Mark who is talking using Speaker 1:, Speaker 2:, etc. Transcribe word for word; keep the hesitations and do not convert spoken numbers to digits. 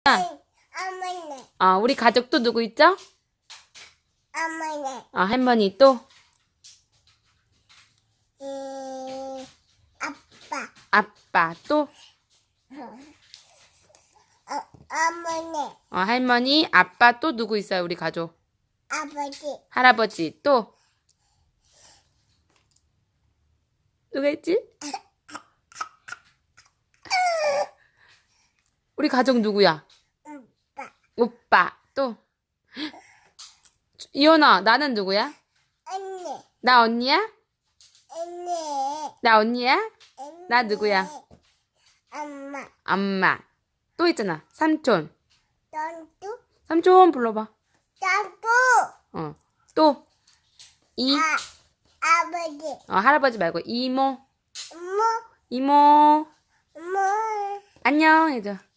Speaker 1: 어머니,
Speaker 2: 아, 우리 가족 또 누구 있죠?
Speaker 1: 어머니,
Speaker 2: 아, 할머니 또?
Speaker 1: 음, 아빠,
Speaker 2: 아빠 또?
Speaker 1: 어, 어머니,
Speaker 2: 어, 할머니, 아빠 또 누구 있어요, 우리 가족?
Speaker 1: 아버지,
Speaker 2: 할아버지 또? 누가 있지? 우리 가족 누구야?
Speaker 1: 오빠,
Speaker 2: 오빠 또? 이현아, 나는 누구야?
Speaker 1: 언니,
Speaker 2: 나 언니야?
Speaker 1: 언니,
Speaker 2: 나 언니야?
Speaker 1: 언니,
Speaker 2: 나 누구야?
Speaker 1: 엄마,
Speaker 2: 엄마. 또 있잖아. 삼촌.
Speaker 1: 넌또,
Speaker 2: 삼촌 불러봐.
Speaker 1: 넌또,
Speaker 2: 어. 또. 이.
Speaker 1: 아, 아버지,
Speaker 2: 어, 할아버지 말고 이모.
Speaker 1: 엄마,
Speaker 2: 이모.
Speaker 1: 엄마.
Speaker 2: 안녕 해줘.